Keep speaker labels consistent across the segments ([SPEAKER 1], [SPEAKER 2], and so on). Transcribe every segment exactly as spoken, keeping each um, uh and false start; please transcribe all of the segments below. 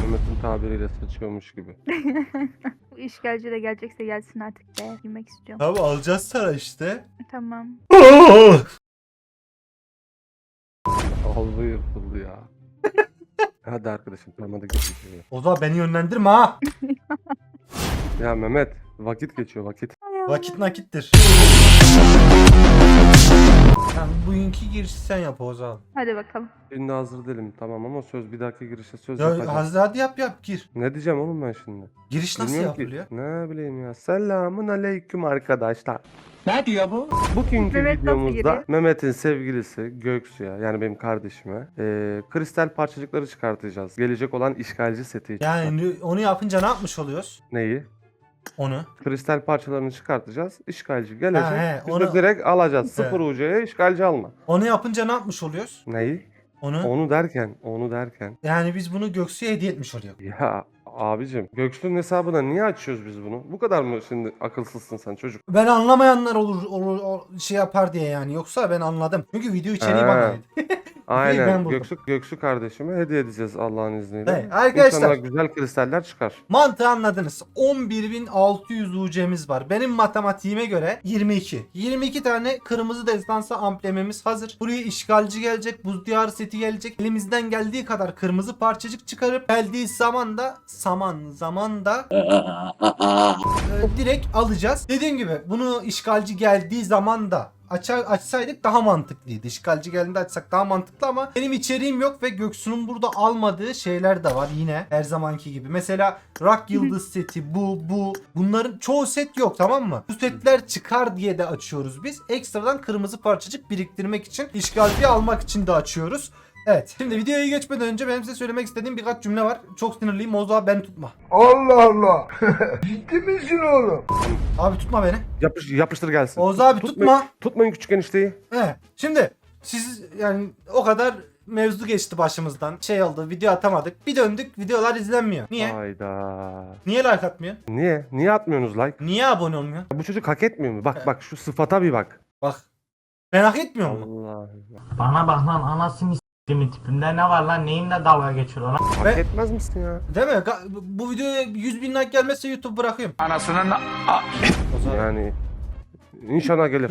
[SPEAKER 1] Mehmet'in tabiriyle sıçıyormuş gibi.
[SPEAKER 2] Bu işgalci de gelecekse gelsin artık be. Girmek istiyorum.
[SPEAKER 3] Abi alacağız sana işte.
[SPEAKER 2] Tamam.
[SPEAKER 1] Aldı yırtıldı ya. Hadi arkadaşım tamam hadi geçelim.
[SPEAKER 3] O zaman beni yönlendirme ha.
[SPEAKER 1] Ya Mehmet vakit geçiyor vakit.
[SPEAKER 3] Vakit nakittir. Sen bugünkü girişi sen yap o zaman.
[SPEAKER 2] Hadi bakalım.
[SPEAKER 1] Şimdi hazır değilim tamam ama söz bir dahaki girişe söz
[SPEAKER 3] Ya
[SPEAKER 1] yapacağım.
[SPEAKER 3] hadi, hadi yap yap gir.
[SPEAKER 1] Ne diyeceğim oğlum ben şimdi?
[SPEAKER 3] Giriş nasıl
[SPEAKER 1] Bilmiyorum ki.
[SPEAKER 3] yapılıyor?
[SPEAKER 1] Ne bileyim ya. Selamun aleyküm arkadaşlar.
[SPEAKER 4] Ne diyor bu?
[SPEAKER 1] Bugünkü
[SPEAKER 2] Mehmet nasıl
[SPEAKER 1] videomuzda
[SPEAKER 2] giriyor?
[SPEAKER 1] Mehmet'in sevgilisi Göksu'ya yani benim kardeşime eee, kristal parçacıkları çıkartacağız. Gelecek olan işgalci seti için.
[SPEAKER 3] Yani onu yapınca ne yapmış oluyoruz?
[SPEAKER 1] Neyi?
[SPEAKER 3] Onu.
[SPEAKER 1] Kristal parçalarını çıkartacağız. İşgalci gelecek.
[SPEAKER 3] Ha, he,
[SPEAKER 1] Biz
[SPEAKER 3] onu-
[SPEAKER 1] de direkt alacağız.
[SPEAKER 3] He.
[SPEAKER 1] Sıfır U C'ye işgalci alma.
[SPEAKER 3] Onu yapınca ne yapmış oluyoruz?
[SPEAKER 1] Neyi?
[SPEAKER 3] Onu.
[SPEAKER 1] Onu derken, onu derken.
[SPEAKER 3] Yani biz bunu Göksu'ya hediye etmiş oluyoruz.
[SPEAKER 1] Ya abicim Göksu'nun hesabına niye açıyoruz biz bunu? Bu kadar mı şimdi akılsızsın sen çocuk?
[SPEAKER 3] Ben anlamayanlar olur, olur o şey yapar diye yani. Yoksa ben anladım. Çünkü video içeriği
[SPEAKER 1] Ha.
[SPEAKER 3] bana ait. ben
[SPEAKER 1] Aynen.
[SPEAKER 3] buldum.
[SPEAKER 1] Göksu, Göksu kardeşime hediye edeceğiz Allah'ın izniyle.
[SPEAKER 3] Evet, arkadaşlar.
[SPEAKER 1] İnşallah güzel kristaller çıkar.
[SPEAKER 3] Mantığı anladınız. on bir bin altı yüz U C'miz var. Benim matematiğime göre yirmi iki. yirmi iki tane kırmızı destansı amblemimiz hazır. Buraya işgalci gelecek, buz diyarı seti gelecek. Elimizden geldiği kadar kırmızı parçacık çıkarıp geldiği zaman da saman zaman da e, direkt alacağız. Dediğim gibi bunu işgalci geldiği zaman da Açar, açsaydık daha mantıklıydı. İşgalci geldiğinde açsak daha mantıklı ama benim içeriğim yok ve Göksu'nun burada almadığı şeyler de var yine her zamanki gibi. Mesela Rock Yıldız seti bu bu bunların çoğu set yok, tamam mı? Bu setler çıkar diye de açıyoruz biz. Ekstradan kırmızı parçacık biriktirmek için, işgalciyi almak için de açıyoruz. Evet. Şimdi videoya geçmeden önce benim size söylemek istediğim birkaç cümle var. Çok sinirliyim. O zaman beni tutma.
[SPEAKER 4] Allah Allah. Ciddi misin oğlum?
[SPEAKER 3] Abi tutma beni.
[SPEAKER 1] Yapış, yapıştır gelsin.
[SPEAKER 3] Oğuz abi
[SPEAKER 1] Tutma-
[SPEAKER 3] tutma.
[SPEAKER 1] Tutmayın küçük enişteyi.
[SPEAKER 3] He. Şimdi siz yani o kadar mevzu geçti başımızdan. Şey oldu, video atamadık. Bir döndük, videolar izlenmiyor. Niye?
[SPEAKER 1] Hayda.
[SPEAKER 3] Niye like atmıyor?
[SPEAKER 1] Niye? Niye atmıyorsunuz like?
[SPEAKER 3] Niye abone olmuyor?
[SPEAKER 1] Bu çocuk hak etmiyor mu? Bak bak şu sıfata bir bak.
[SPEAKER 3] Bak. Ben hak etmiyor mu?
[SPEAKER 1] Allah.
[SPEAKER 4] Bana bak lan anasını s**timin tipinde ne var lan neyinle dalga geçiyor lan?
[SPEAKER 1] Hak
[SPEAKER 3] Ve-
[SPEAKER 1] etmez misin ya?
[SPEAKER 3] Değil mi? Ga- Bu videoya yüz bin like gelmezse YouTube bırakıyorum.
[SPEAKER 4] Anasının
[SPEAKER 3] O zaman...
[SPEAKER 1] Yani inşallah gelir.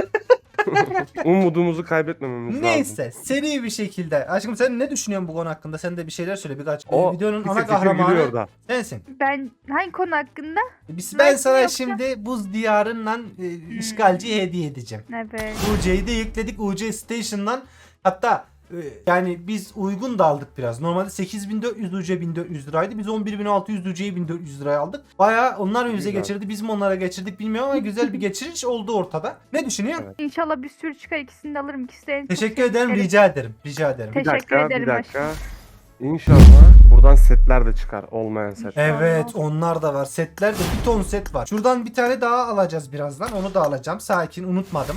[SPEAKER 1] Umudumuzu kaybetmememiz lazım.
[SPEAKER 3] Neyse, seri bir şekilde. Aşkım sen ne düşünüyorsun bu konu hakkında? Sen de bir şeyler söyle birkaç.
[SPEAKER 1] O
[SPEAKER 3] Ee, videonun
[SPEAKER 1] fikir
[SPEAKER 3] ana
[SPEAKER 1] fikir gülüyor
[SPEAKER 3] kahramanı
[SPEAKER 1] da.
[SPEAKER 3] sensin.
[SPEAKER 2] Ben hangi konu hakkında?
[SPEAKER 3] Biz, ben
[SPEAKER 2] Ben
[SPEAKER 3] sana
[SPEAKER 2] yoksa-
[SPEAKER 3] şimdi buz diyarından e, işgalciye hediye edeceğim.
[SPEAKER 2] Evet.
[SPEAKER 3] U C'yi de yükledik U C Station'dan. Hatta e, yani biz uygun da aldık biraz. Normalde sekiz bin dört yüz U C bin dört yüz liraydı. Biz on bir bin altı yüz U C'yi bin dört yüz liraya aldık. Bayağı onlar bize
[SPEAKER 1] Güzel.
[SPEAKER 3] geçirdi. Biz mi onlara geçirdik bilmiyorum ama güzel bir geçiriş oldu ortada. Ne düşünüyorsun?
[SPEAKER 1] Evet.
[SPEAKER 2] İnşallah bir sürü çıkar, ikisini de alırım. İkisi de en çok
[SPEAKER 3] Teşekkür ederim.
[SPEAKER 2] sevdiklerim.
[SPEAKER 3] Rica ederim. Rica ederim.
[SPEAKER 2] Teşekkür
[SPEAKER 1] Bir dakika,
[SPEAKER 2] ederim
[SPEAKER 1] bir dakika.
[SPEAKER 2] aşkım.
[SPEAKER 1] İnşallah buradan setler de çıkar. Olmayan set.
[SPEAKER 3] Evet, onlar da var. Setler de bir ton set var. Şuradan bir tane daha alacağız birazdan. Onu da alacağım. Sakin, unutmadım.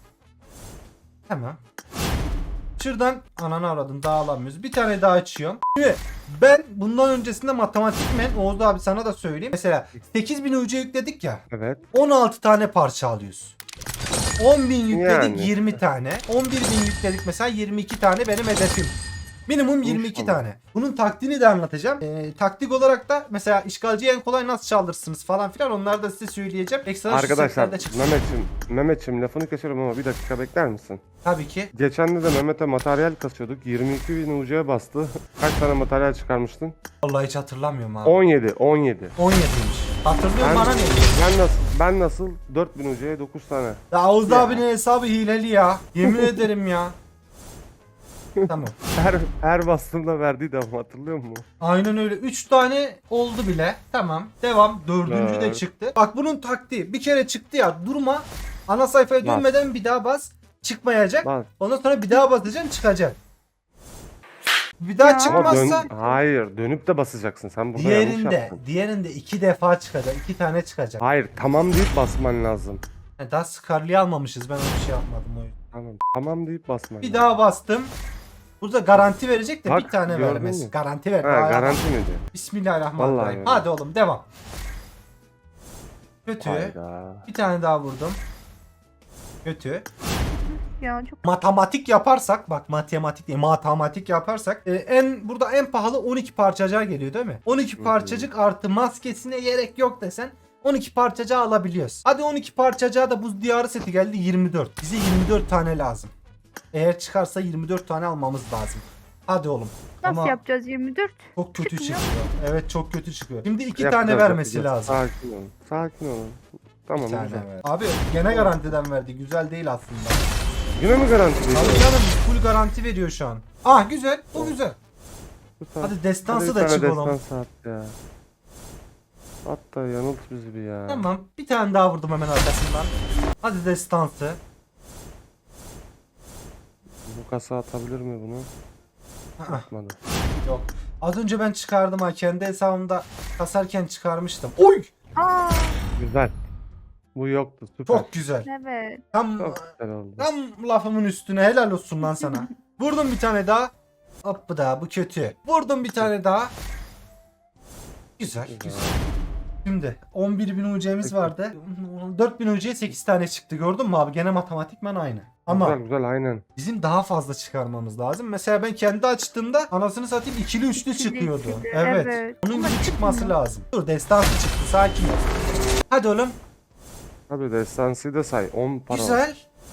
[SPEAKER 3] Tamam. Şuradan ananı avradım, daha alamıyoruz. Bir tane daha açıyorum. Şimdi ben bundan öncesinde matematikmen Oğuz abi sana da söyleyeyim. Mesela sekiz bin U C yükledik ya.
[SPEAKER 1] Evet.
[SPEAKER 3] on altı tane parça alıyoruz. on bin yükledik
[SPEAKER 1] Yani.
[SPEAKER 3] yirmi tane. on bir bin yükledik mesela yirmi iki tane benim hedefim. Minimum yirmi iki
[SPEAKER 1] İnşallah.
[SPEAKER 3] tane. Bunun taktiğini de anlatacağım. Ee, taktik olarak da mesela işgalciyi en kolay nasıl çaldırsınız falan filan onları da size söyleyeceğim. Ekstra şu
[SPEAKER 1] Arkadaşlar
[SPEAKER 3] setlerde çıksın.
[SPEAKER 1] Mehmet'im, Mehmet'im lafını kesiyorum ama bir dakika bekler misin?
[SPEAKER 3] Tabii ki.
[SPEAKER 1] Geçen de Mehmet'e materyal kasıyorduk. yirmi iki bin U C'ye bastı. Kaç tane materyal çıkarmıştın?
[SPEAKER 3] Vallahi hiç hatırlamıyorum abi.
[SPEAKER 1] on yedi, on yedi.
[SPEAKER 3] on yediymiş. Hatırlıyorum
[SPEAKER 1] Ben,
[SPEAKER 3] bana ne?
[SPEAKER 1] ben nasıl ben nasıl dört bin U C'ye dokuz tane.
[SPEAKER 3] Ya Oğuz
[SPEAKER 1] Ya.
[SPEAKER 3] abinin hesabı hileli ya. Yemin ederim ya. Tamam.
[SPEAKER 1] Her her bastığımda verdiği de ama hatırlıyor musun?
[SPEAKER 3] Aynen öyle. üç tane oldu bile. Tamam. Devam. Dördüncü de
[SPEAKER 1] Evet.
[SPEAKER 3] çıktı. Bak bunun taktiği. Bir kere çıktı ya. Durma. Ana sayfaya
[SPEAKER 1] Bas.
[SPEAKER 3] dönmeden bir daha bas. Çıkmayacak.
[SPEAKER 1] Bak.
[SPEAKER 3] Ondan sonra bir daha basacaksın, çıkacak. Bir daha
[SPEAKER 2] Ya.
[SPEAKER 1] Ama
[SPEAKER 3] çıkmazsa
[SPEAKER 1] dön, hayır dönüp de basacaksın. Sen burada yanlış
[SPEAKER 3] diğerinde
[SPEAKER 1] yaptın.
[SPEAKER 3] diğerinde iki defa çıkacak. iki tane çıkacak.
[SPEAKER 1] Hayır tamam deyip basman lazım.
[SPEAKER 3] Yani daha Scarlet'i almamışız. Ben onu şey yapmadım o yüzden.
[SPEAKER 1] Tamam tamam deyip basman
[SPEAKER 3] Bir
[SPEAKER 1] lazım.
[SPEAKER 3] daha bastım. Burada garanti verecek de
[SPEAKER 1] Bak,
[SPEAKER 3] bir tane
[SPEAKER 1] gördün
[SPEAKER 3] vermez.
[SPEAKER 1] mü?
[SPEAKER 3] Garanti ver.
[SPEAKER 1] Ha,
[SPEAKER 3] Daha
[SPEAKER 1] garanti mi diyor?
[SPEAKER 3] Bismillahirrahmanirrahim.
[SPEAKER 1] Vallahi öyle.
[SPEAKER 3] Hadi oğlum devam. Kötü.
[SPEAKER 1] Hayda.
[SPEAKER 3] Bir tane daha vurdum. Kötü.
[SPEAKER 2] ya çok
[SPEAKER 3] Matematik yaparsak bak matematik değil matematik yaparsak e, en burada en pahalı on iki parçacığa geliyor değil mi? on iki
[SPEAKER 1] Hı hı.
[SPEAKER 3] parçacık artı maskesine gerek yok desen on iki parçacığı alabiliyoruz. Hadi on iki parçacığa da buz diyarı seti geldi yirmi dört. Bize yirmi dört tane lazım. Eğer çıkarsa yirmi dört tane almamız lazım. Hadi oğlum.
[SPEAKER 2] nasıl
[SPEAKER 3] Ama
[SPEAKER 2] yapacağız yirmi dört?
[SPEAKER 3] çok kötü
[SPEAKER 2] Çıkmıyor.
[SPEAKER 3] çıkıyor. Evet çok kötü çıkıyor. Şimdi iki
[SPEAKER 1] Yapacağız,
[SPEAKER 3] tane vermesi
[SPEAKER 1] yapacağız.
[SPEAKER 3] lazım.
[SPEAKER 1] Sakin olun. Sakin olun. Tamam
[SPEAKER 3] Bir tane
[SPEAKER 1] güzel.
[SPEAKER 3] ver. Abi gene garantiden verdi. Güzel değil aslında.
[SPEAKER 1] Yine mi garanti veriyor?
[SPEAKER 3] Abi canım full garanti veriyor şu an. Ah güzel. Bu güzel.
[SPEAKER 1] Süper.
[SPEAKER 3] Hadi destansı
[SPEAKER 1] Hadi
[SPEAKER 3] da
[SPEAKER 1] bir tane
[SPEAKER 3] çık oğlum.
[SPEAKER 1] destansı at ya. Hatta yanılt bizi bir ya.
[SPEAKER 3] Tamam. Bir tane daha vurdum hemen arkasından. Hadi destansı.
[SPEAKER 1] Bu kasa atabilir mi bunu?
[SPEAKER 3] Aa,
[SPEAKER 1] Atmadı.
[SPEAKER 3] yok. Az önce ben çıkardım ha. Kendi hesabımda kasarken çıkarmıştım. Oy!
[SPEAKER 2] Aa
[SPEAKER 1] Güzel. Bu yoktu. Süper.
[SPEAKER 3] Çok güzel.
[SPEAKER 2] evet.
[SPEAKER 3] Tam,
[SPEAKER 1] Çok güzel oldu.
[SPEAKER 3] tam lafımın üstüne helal olsun lan sana. Vurdum bir tane daha. Hop bu da bu kötü. Vurdum bir tane daha. Güzel
[SPEAKER 1] Güzel.
[SPEAKER 3] güzel. Şimdi on bir bin U C'miz
[SPEAKER 1] Peki.
[SPEAKER 3] vardı. dört bin U C'ye sekiz tane çıktı gördün mü abi? Gene matematikmen aynı. Ama
[SPEAKER 1] Güzel güzel aynen.
[SPEAKER 3] bizim daha fazla çıkarmamız lazım. Mesela ben kendi açtığımda anasını satayım ikili üçlü
[SPEAKER 2] İkili,
[SPEAKER 3] çıkıyordu.
[SPEAKER 2] ikili,
[SPEAKER 3] Evet.
[SPEAKER 2] evet.
[SPEAKER 3] Onun
[SPEAKER 2] Ama
[SPEAKER 3] gibi çıkması
[SPEAKER 2] çıkmıyor.
[SPEAKER 3] lazım. Dur destansı çıktı sakin ol. Hadi oğlum.
[SPEAKER 1] Tabii destansıyı da say. on para.
[SPEAKER 3] Güzel.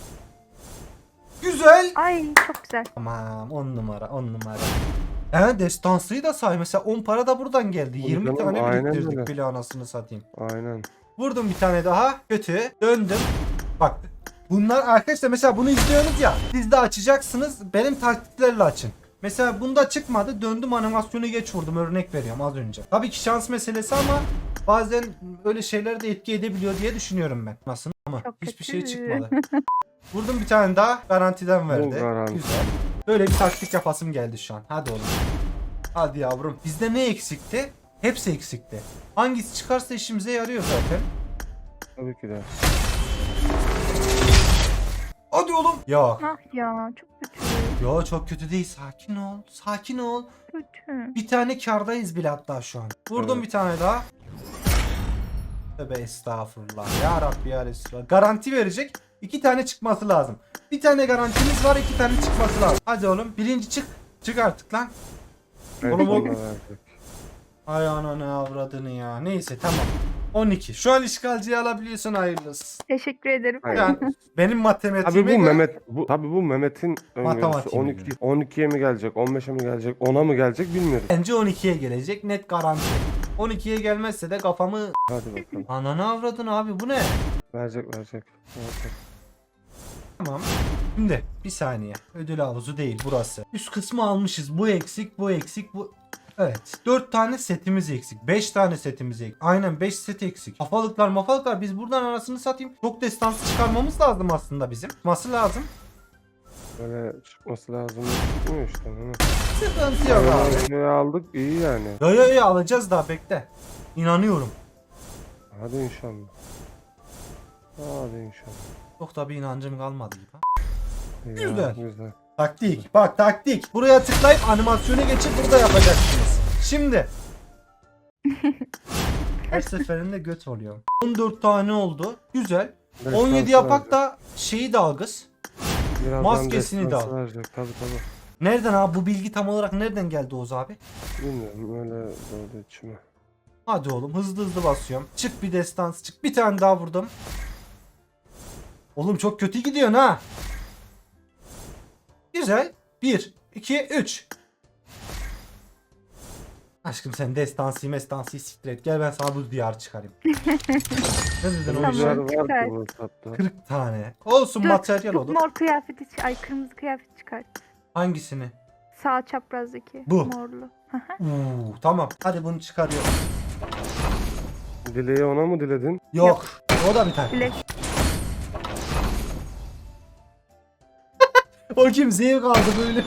[SPEAKER 3] Güzel.
[SPEAKER 2] Ay çok güzel.
[SPEAKER 3] Tamam on numara on numara. He destansıyı da say. Mesela on para da buradan geldi.
[SPEAKER 1] Tabii
[SPEAKER 3] yirmi
[SPEAKER 1] canım,
[SPEAKER 3] tane
[SPEAKER 1] aynen
[SPEAKER 3] biriktirdik
[SPEAKER 1] öyle.
[SPEAKER 3] bile anasını satayım.
[SPEAKER 1] Aynen.
[SPEAKER 3] Vurdum bir tane daha. Kötü. Döndüm. Bak. Bunlar arkadaşlar mesela bunu izliyorsunuz ya. Siz de açacaksınız. Benim taktiklerle açın. Mesela bunda çıkmadı. Döndüm animasyonu geç vurdum. Örnek veriyorum az önce. Tabii ki şans meselesi ama bazen öyle şeyler de etki edebiliyor diye düşünüyorum ben. Nasıl ama
[SPEAKER 2] Çok
[SPEAKER 3] hiçbir
[SPEAKER 2] kötü.
[SPEAKER 3] şey çıkmadı. Vurdum bir tane daha. Garantiden verdi.
[SPEAKER 1] garanti.
[SPEAKER 3] Güzel. Böyle bir taktik yapasım geldi şu an. Hadi oğlum. Hadi yavrum. Bizde ne eksikti? Hepsi eksikti. Hangisi çıkarsa işimize yarıyor zaten.
[SPEAKER 1] Tabii ki de.
[SPEAKER 3] Hadi oğlum. Ya.
[SPEAKER 2] Ah ya çok kötü.
[SPEAKER 3] Yo çok kötü değil. Sakin ol. Sakin ol.
[SPEAKER 2] Kötü.
[SPEAKER 3] Bir tane kardayız bile hatta şu an. Vurdum
[SPEAKER 1] Evet.
[SPEAKER 3] bir tane daha. Tövbe estağfurullah. Ya Rabbi ya Resulallah. Garanti verecek. İki tane çıkması lazım. Bir tane garantimiz var. iki tane çıkması lazım. Hadi oğlum. Birinci çık. Çık artık lan.
[SPEAKER 1] Evet,
[SPEAKER 3] Oğlum,
[SPEAKER 1] onu
[SPEAKER 3] o-
[SPEAKER 1] da verecek.
[SPEAKER 3] Ay ananı avradını ya. Neyse tamam. on iki. Şu an işgalciyi alabiliyorsun hayırlısı.
[SPEAKER 2] Teşekkür ederim.
[SPEAKER 1] Hayır.
[SPEAKER 3] Yani benim
[SPEAKER 1] Tabii
[SPEAKER 3] matematiğime
[SPEAKER 1] bu
[SPEAKER 3] göre
[SPEAKER 1] Mehmet bu tabii bu Mehmet'in öngörüsü
[SPEAKER 3] Matematiğine
[SPEAKER 1] on iki on ikiye mi gelecek, on beşe mi gelecek, ona mı gelecek bilmiyoruz.
[SPEAKER 3] bence on ikiye gelecek. Net garanti. on ikiye gelmezse de kafamı
[SPEAKER 1] Hadi bakalım.
[SPEAKER 3] ananı avradın abi bu ne?
[SPEAKER 1] Verecek verecek. verecek.
[SPEAKER 3] Tamam. Şimdi bir saniye. Ödül havuzu değil burası. Üst kısmı almışız. Bu eksik, bu eksik, bu... Evet. dört tane setimiz eksik. beş tane setimiz eksik. Aynen beş set eksik. Kafalıklar mafalıklar biz buradan arasını satayım. Çok destansı çıkarmamız lazım aslında bizim. Çıkması lazım.
[SPEAKER 1] Böyle çıkması lazım. Çıkmıyor işte. Mehmet.
[SPEAKER 3] Sıkıntı yok abi.
[SPEAKER 1] Şey aldık iyi yani.
[SPEAKER 3] Yo yo yo alacağız daha bekle. İnanıyorum.
[SPEAKER 1] Hadi inşallah. Hadi inşallah.
[SPEAKER 3] Çok da bir inancım kalmadı gibi.
[SPEAKER 1] Ya,
[SPEAKER 3] Güzel.
[SPEAKER 1] Güzel.
[SPEAKER 3] Taktik. Bak taktik. Buraya tıklayıp animasyonu geçip burada yapacaksınız. Şimdi. Her seferinde göt oluyor. on dört tane oldu. Güzel. on yedi yapak da şeyi de algız.
[SPEAKER 1] Birazdan
[SPEAKER 3] maskesini de
[SPEAKER 1] destansı
[SPEAKER 3] al.
[SPEAKER 1] verecek. Tabii tabii.
[SPEAKER 3] Nereden abi bu bilgi tam olarak nereden geldi Oğuz abi?
[SPEAKER 1] Bilmiyorum öyle doğdu içime.
[SPEAKER 3] Hadi oğlum hızlı hızlı basıyorum. Çık bir destans çık. Bir tane daha vurdum. Oğlum çok kötü gidiyorsun ha. Güzel. bir, iki, üç. Aşkım sen destansı mestansı siktir et. Gel ben sana bu diyar çıkarayım. Ne dedin
[SPEAKER 1] Tamam.
[SPEAKER 3] o işe?
[SPEAKER 1] Rüzgar var
[SPEAKER 2] çıkar.
[SPEAKER 1] ki bu hesapta.
[SPEAKER 3] kırk tane. Olsun
[SPEAKER 2] Dur,
[SPEAKER 3] materyal
[SPEAKER 2] şu
[SPEAKER 3] olur.
[SPEAKER 2] mor kıyafeti çı- ay kırmızı kıyafet çıkart.
[SPEAKER 3] Hangisini?
[SPEAKER 2] Sağ çaprazdaki
[SPEAKER 3] Bu.
[SPEAKER 2] morlu.
[SPEAKER 3] Uuu tamam. Hadi bunu çıkarıyorum.
[SPEAKER 1] Dileği ona mı diledin?
[SPEAKER 3] Yok. O da bir tane.
[SPEAKER 2] Bilek.
[SPEAKER 3] O kim zevk aldı böyle.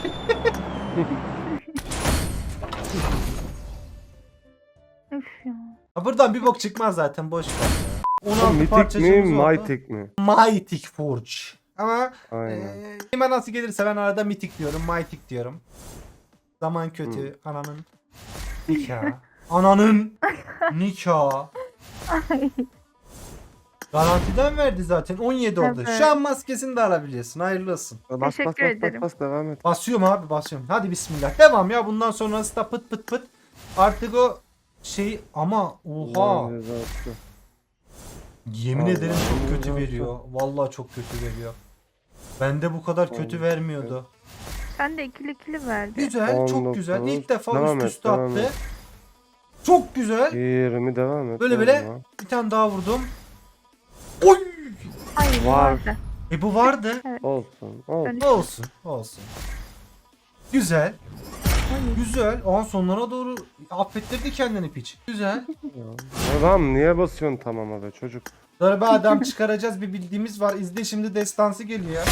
[SPEAKER 2] Üf ya.
[SPEAKER 3] Ha, buradan bir bok çıkmaz zaten boş ver. ya. on altı
[SPEAKER 1] Mitik mi,
[SPEAKER 3] parçacığımız oldu.
[SPEAKER 1] Mytik mi?
[SPEAKER 3] Mythic Forge. Ama
[SPEAKER 1] Aynen.
[SPEAKER 3] eee kime nasıl gelirse ben arada Mythic diyorum, Mythic diyorum. Zaman kötü, ananın nikah. Ananın nikah.
[SPEAKER 2] Ay.
[SPEAKER 3] Garantiden verdi zaten. on yedi oldu.
[SPEAKER 2] Evet.
[SPEAKER 3] Şu an maskesini de alabiliyorsun. Hayırlı olsun.
[SPEAKER 1] Bas bas
[SPEAKER 2] Teşekkür
[SPEAKER 1] bas bas
[SPEAKER 2] ederim.
[SPEAKER 1] bas devam et.
[SPEAKER 3] Basıyorum abi basıyorum. Hadi bismillah. Devam ya. Bundan sonrası da pıt pıt pıt. Artık o şey ama oha.
[SPEAKER 1] Allah'ın cezası.
[SPEAKER 3] Yemin
[SPEAKER 1] Allah
[SPEAKER 3] ederim çok
[SPEAKER 1] Allah.
[SPEAKER 3] kötü veriyor. Vallahi çok kötü veriyor. Bende bu kadar kötü
[SPEAKER 1] Allah.
[SPEAKER 3] vermiyordu.
[SPEAKER 2] Sen de ikili ikili verdi.
[SPEAKER 3] Güzel, çok
[SPEAKER 1] on
[SPEAKER 3] güzel.
[SPEAKER 1] dokuz.
[SPEAKER 3] İlk defa
[SPEAKER 1] Devam
[SPEAKER 3] üst
[SPEAKER 1] et,
[SPEAKER 3] üste
[SPEAKER 1] devam
[SPEAKER 3] attı.
[SPEAKER 1] et.
[SPEAKER 3] Çok güzel.
[SPEAKER 1] yirmi devam et.
[SPEAKER 3] Böyle
[SPEAKER 1] oğlum
[SPEAKER 3] böyle
[SPEAKER 1] ya.
[SPEAKER 3] bir tane daha vurdum. Oy!
[SPEAKER 2] Hayır
[SPEAKER 1] Var.
[SPEAKER 2] vardı.
[SPEAKER 3] E bu vardı.
[SPEAKER 1] Olsun. Olsun.
[SPEAKER 2] Ben-
[SPEAKER 3] Olsun, olsun. Güzel,
[SPEAKER 2] Hayır.
[SPEAKER 3] güzel. Aa sonlara doğru affettirdi kendini piç. Güzel.
[SPEAKER 1] Adam niye basıyorsun tamama be çocuk?
[SPEAKER 3] Darbe adam çıkaracağız bir bildiğimiz var. İzle şimdi destansı geliyor ya.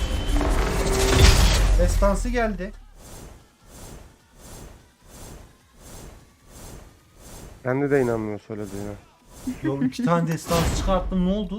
[SPEAKER 3] Destansı geldi.
[SPEAKER 1] Kendi de inanmıyor söylediğine.
[SPEAKER 3] Yo iki tane destansı çıkarttım ne oldu?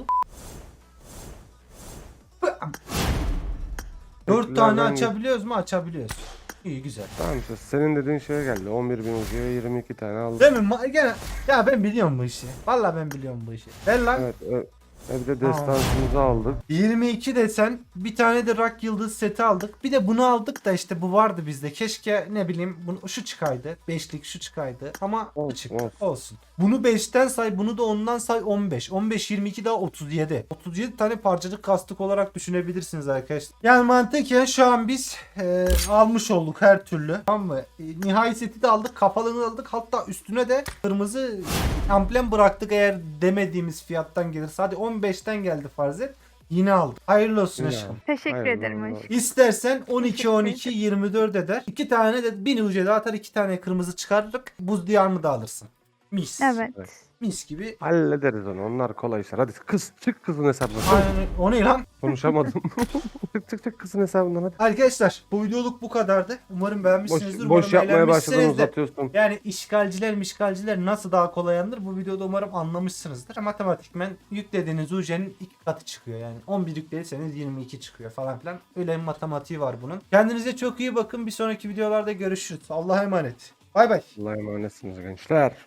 [SPEAKER 3] Dört tane
[SPEAKER 1] Beklerden-
[SPEAKER 3] açabiliyoruz mu? Açabiliyoruz. İyi güzel.
[SPEAKER 1] Tamam işte senin dediğin şeye geldi. on bir bin ucuya yirmi iki tane aldım.
[SPEAKER 3] Değil mi? Ma- Gene ya ben biliyorum bu işi. Vallahi ben biliyorum bu işi. Ver lan.
[SPEAKER 1] Evet. ö- e, bir de destansımızı aldık.
[SPEAKER 3] yirmi iki desen bir tane de Rock Yıldız seti aldık. Bir de bunu aldık da işte bu vardı bizde. Keşke ne bileyim bunu, şu çıkaydı. beşlik şu çıkaydı. Ama bu
[SPEAKER 1] Olsun,
[SPEAKER 3] çıktı.
[SPEAKER 1] olsun.
[SPEAKER 3] Olsun. Bunu beşten say bunu da ondan say on beş. on beş yirmi iki daha otuz yedi. otuz yedi tane parçacık kastık olarak düşünebilirsiniz arkadaşlar. Yani mantıken şu an biz e, almış olduk her türlü. Tamam mı? E, nihai seti de aldık. Kafalığını aldık. Hatta üstüne de kırmızı amblem bıraktık eğer demediğimiz fiyattan gelirse. Hadi on beşten geldi farz et. Yine aldık. Hayırlı olsun
[SPEAKER 1] Yine
[SPEAKER 3] aşkım.
[SPEAKER 1] aldık.
[SPEAKER 2] Teşekkür
[SPEAKER 1] Hayırlı
[SPEAKER 2] ederim
[SPEAKER 1] olsun.
[SPEAKER 2] aşkım.
[SPEAKER 3] İstersen on iki
[SPEAKER 2] Teşekkür
[SPEAKER 3] on iki yirmi dört eder. İki tane de bin ucu da atar, iki tane kırmızı çıkarırık. Buz diyarını da alırsın. Mis.
[SPEAKER 2] Evet.
[SPEAKER 3] Mis gibi.
[SPEAKER 1] Hallederiz onu. Onlar kolay işler. Hadi kız çık kızın hesabına.
[SPEAKER 3] Aynen öyle. O ne lan?
[SPEAKER 1] Konuşamadım. çık çık çık kızın hesabından hadi.
[SPEAKER 3] Arkadaşlar bu videoluk bu kadardı. Umarım
[SPEAKER 1] Boş,
[SPEAKER 3] beğenmişsinizdir.
[SPEAKER 1] boş
[SPEAKER 3] Umarım
[SPEAKER 1] yapmaya başladın
[SPEAKER 3] eğlenmişsinizdir.
[SPEAKER 1] uzatıyorsun.
[SPEAKER 3] Yani işgalciler mişgalciler nasıl daha kolay anılır bu videoda umarım anlamışsınızdır. Matematikmen yüklediğiniz U C'nin iki katı çıkıyor yani. on bir yüklediyseniz yirmi iki çıkıyor falan filan. Öyle bir matematiği var bunun. Kendinize çok iyi bakın. Bir sonraki videolarda görüşürüz. Allah'a emanet. Bay bay.
[SPEAKER 1] Allah'a emanetsiniz gençler.